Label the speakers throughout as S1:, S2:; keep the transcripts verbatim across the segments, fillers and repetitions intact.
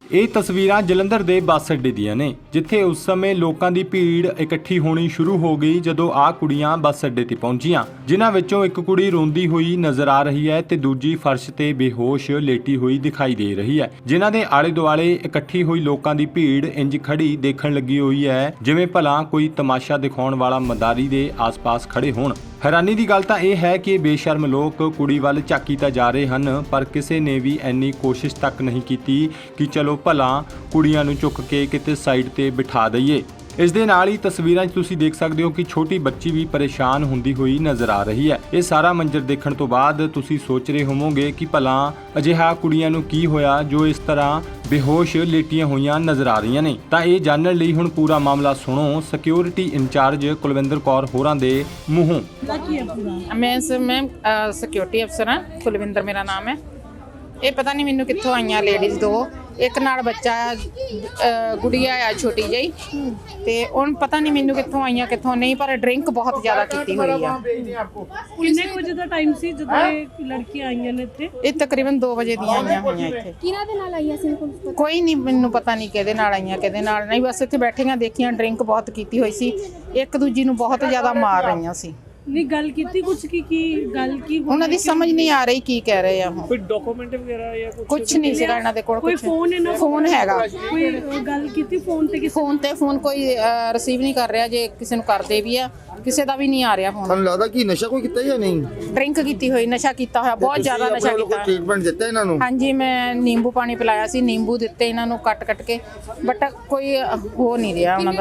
S1: ਇਹ ਤਸਵੀਰਾਂ ਜਲੰਧਰ ਦੇ ਬੱਸ ਅੱਡੇ ਦੀਆਂ ਨੇ, ਜਿੱਥੇ ਉਸ ਸਮੇਂ ਲੋਕਾਂ ਦੀ ਭੀੜ ਇਕੱਠੀ ਹੋਣੀ ਸ਼ੁਰੂ ਹੋ ਗਈ ਜਦੋਂ ਆਹ ਕੁੜੀਆਂ ਬੱਸ ਅੱਡੇ ਤੇ ਪਹੁੰਚੀਆਂ, ਜਿਨ੍ਹਾਂ ਵਿੱਚੋਂ ਇੱਕ ਕੁੜੀ ਰੋਂਦੀ ਹੋਈ ਨਜ਼ਰ ਆ ਰਹੀ ਹੈ ਤੇ ਦੂਜੀ ਫਰਸ਼ ਤੇ ਬੇਹੋਸ਼ ਲੇਟੀ ਹੋਈ ਦਿਖਾਈ ਦੇ ਰਹੀ ਹੈ, ਜਿਨ੍ਹਾਂ ਦੇ ਆਲੇ ਦੁਆਲੇ ਇਕੱਠੀ ਹੋਈ ਲੋਕਾਂ ਦੀ ਭੀੜ ਇੰਜ ਖੜੀ ਦੇਖਣ ਲੱਗੀ ਹੋਈ ਹੈ ਜਿਵੇਂ ਭਲਾ ਕੋਈ ਤਮਾਸ਼ਾ ਦਿਖਾਉਣ ਵਾਲਾ ਮਦਾਰੀ ਦੇ ਆਸ-ਪਾਸ ਖੜੇ ਹੋਣ। हैरानी की गल तो यह है कि बेशर्म लोग कुड़ी वाल झाकी तो जा रहे हैं, पर किसी ने भी इन्नी कोशिश तक नहीं की कि चलो भला कुड़ियां नूं चुक के किते साइड ते बिठा दईए। इस दे नाल ही तस्वीरां 'च तुसीं देख सकते हो कि छोटी बच्ची भी परेशान हुंदी हुई नज़र आ रही है। ये सारा मंजर देखण तो बाद तुसीं सोच रहे होवोगे कि भला अजिहा कुड़ियां नूं की होया जो इस तरह बेहोश लेटियां हुईयां नज़र आ रही ने। तां इह जानण लई हुण पूरा मामला सुणो सिक्योरिटी इंचार्ज कुलविंदर कौर होरां दे मूंहों।
S2: मैं मैं सिक्योरिटी अफसर हाँ, कुलविंदर मेरा नाम है। ये पता नहीं मैनू कित्थों आईयां लेडीज़ दो, एक नाल बच्चा गुड़िया आ छोटी जी, ते हुण पता नहीं मैनू कित्थों आईयां कित्थों नहीं, पर ड्रिंक बहुत ज़्यादा कीती हुई है।
S3: किन्ने कुछ दा टाइम सी जदों ये लड़कियां आईयां ने इत्थे?
S2: ये तकरीबन दो बजे दी आईयां होईयां इत्थे।
S3: किहनां दे नाल आईयां सी?
S2: कोई नहीं मैनू पता नहीं किहदे नाल आईयां किहदे नाल नहीं, बस इत्थे बैठियां देखियां ड्रिंक बहुत कीती हुई सी, एक दूजी नूं बहुत ज़्यादा मार रहीआं सी।
S3: नहीं गल कीती कुछ की की गल की
S2: उन्हां दी समझ नहीं आ रही की कह रहे हैं।
S4: कोई डॉक्यूमेंट वगैरह या कुछ
S2: कुछ नहीं सीगा इन्हां दे कोल,
S3: कोई
S2: कुछ
S3: फोन इन्हां
S2: फोन हैगा,
S3: कोई गल कीती फोन ते किसी
S2: फोन ते फोन कोई रिसीव नहीं कर रहा, जे किसी नूं करदे भी आ किसी दा भी नहीं आ रहा फोन।
S5: ਤੁਹਾਨੂੰ ਲੱਗਦਾ ਕਿ ਨਸ਼ਾ ਕੋਈ ਕੀਤਾ ਜਾਂ ਨਹੀਂ?
S2: ड्रिंक कीती हुई, नशा कीता होया, बहुत ज़्यादा नशा कीता।
S5: ट्रीटमेंट ਦਿੱਤਾ ਇਹਨਾਂ ਨੂੰ?
S2: हाँ जी, मैं नींबू पानी पिलाया सी, नींबू दिते इन्हां नूं कट कट के, बट कोई हो नहीं रहा उन्हां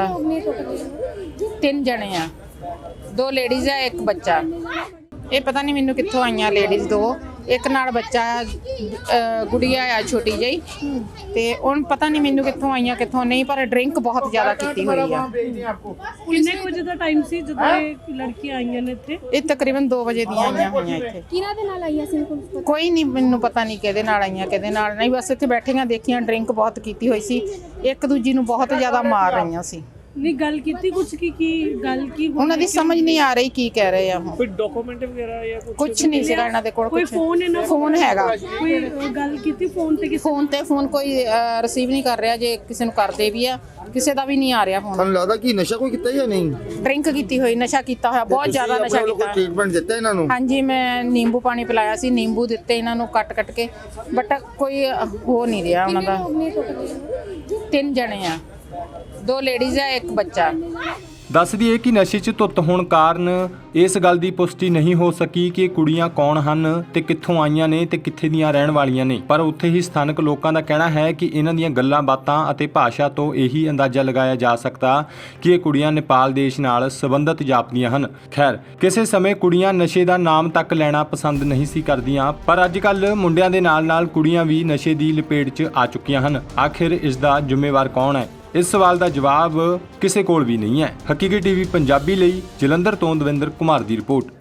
S2: दा। तीन जने आ, दो लेडीज़ है एक बच्चा। ये पता नहीं मैनू कित्थों आईयां लेडीज़ दो, एक नाल बच्चा गुड़िया आ छोटी जी, ते हुण पता नहीं मैनू कित्थों आईयां कित्थों नहीं, पर ड्रिंक बहुत ज़्यादा कीती हुई है।
S3: किन्ने कुछ दा टाइम सी जदों ये लड़कियां आईयां ने इत्थे?
S2: ये तकरीबन दो बजे दी आईयां होईयां इत्थे।
S3: किहनां दे नाल आईयां सी?
S2: कोई नहीं मैनू पता नहीं किहदे नाल आईयां किहदे नाल नहीं, बस इत्थे बैठियां देखियां ड्रिंक बहुत कीती हुई सी, एक दूजी नूं बहुत ज़्यादा मार रहीआं सी।
S3: नहीं गल कीती कुछ की की गल की
S2: उन्हां दी समझ नहीं आ रही की कह रहे हैं।
S4: कोई डॉक्यूमेंट वगैरह या कुछ
S2: कुछ नहीं सीगा इन्हां दे कोल,
S3: कोई
S2: कुछ
S3: फोन इन्हां
S2: फोन हैगा,
S3: कोई गल कीती फोन ते किसी
S2: फोन ते फोन कोई रिसीव नहीं कर रहा, जे किसी नूं करदे भी आ किसी दा भी नहीं आ रहा फोन।
S5: ਤੁਹਾਨੂੰ ਲੱਗਦਾ ਕਿ ਨਸ਼ਾ ਕੋਈ ਕੀਤਾ ਜਾਂ ਨਹੀਂ?
S2: ड्रिंक कीती हुई, नशा कीता होया, बहुत ज़्यादा नशा कीता।
S5: ट्रीटमेंट ਦਿੱਤਾ ਇਹਨਾਂ ਨੂੰ?
S2: हाँ जी, मैं नींबू पानी पिलाया सी, नींबू दिते इन्हां नूं कट कट के, बट कोई हो नहीं रहा उन्हां दा। तीन जने आ, दो लेडीज़ है एक बच्चा।
S1: ਦੱਸ ਦਈਏ ਕਿ ਨਸ਼ੇ 'ਚ ਧੁੱਤ ਹੋਣ ਕਾਰਨ ਇਸ ਗੱਲ ਦੀ ਪੁਸ਼ਟੀ ਨਹੀਂ ਹੋ ਸਕੀ ਕਿ ਇਹ ਕੁੜੀਆਂ ਕੌਣ ਹਨ ਤੇ ਕਿੱਥੋਂ ਆਈਆਂ ਨੇ ਤੇ ਕਿੱਥੇ ਦੀਆਂ ਰਹਿਣ ਵਾਲੀਆਂ ਨੇ, ਪਰ ਉੱਥੇ ਹੀ ਸਥਾਨਕ ਲੋਕਾਂ ਦਾ ਕਹਿਣਾ ਹੈ ਕਿ ਇਹਨਾਂ ਦੀਆਂ ਗੱਲਾਂ ਬਾਤਾਂ ਅਤੇ ਭਾਸ਼ਾ ਤੋਂ ਇਹੀ ਅੰਦਾਜ਼ਾ ਲਗਾਇਆ ਜਾ ਸਕਦਾ ਕਿ ਇਹ ਕੁੜੀਆਂ ਨੇਪਾਲ ਦੇਸ਼ ਨਾਲ ਸੰਬੰਧਿਤ ਜਾਪਦੀਆਂ ਹਨ। ਖੈਰ, ਕਿਸੇ ਸਮੇਂ ਕੁੜੀਆਂ ਨਸ਼ੇ ਦਾ ਨਾਮ ਤੱਕ ਲੈਣਾ ਪਸੰਦ ਨਹੀਂ ਸੀ ਕਰਦੀਆਂ, ਪਰ ਅੱਜ ਕੱਲ੍ਹ ਮੁੰਡਿਆਂ ਦੇ ਨਾਲ-ਨਾਲ ਕੁੜੀਆਂ ਵੀ ਨਸ਼ੇ ਦੀ ਲਪੇਟ 'ਚ ਆ ਚੁੱਕੀਆਂ ਹਨ। ਆਖਿਰ ਇਸ ਦਾ ਜ਼ਿੰਮੇਵਾਰ ਕੌਣ ਹੈ? ਇਸ ਸਵਾਲ ਦਾ ਜਵਾਬ ਕਿਸੇ ਕੋਲ ਵੀ ਨਹੀਂ ਹੈ। ਹਕੀਕਤ ਟੀਵੀ ਪੰਜਾਬੀ ਲਈ ਜਲੰਧਰ ਤੋਂ ਦਵਿੰਦਰ ਕੁਮਾਰ ਦੀ ਰਿਪੋਰਟ।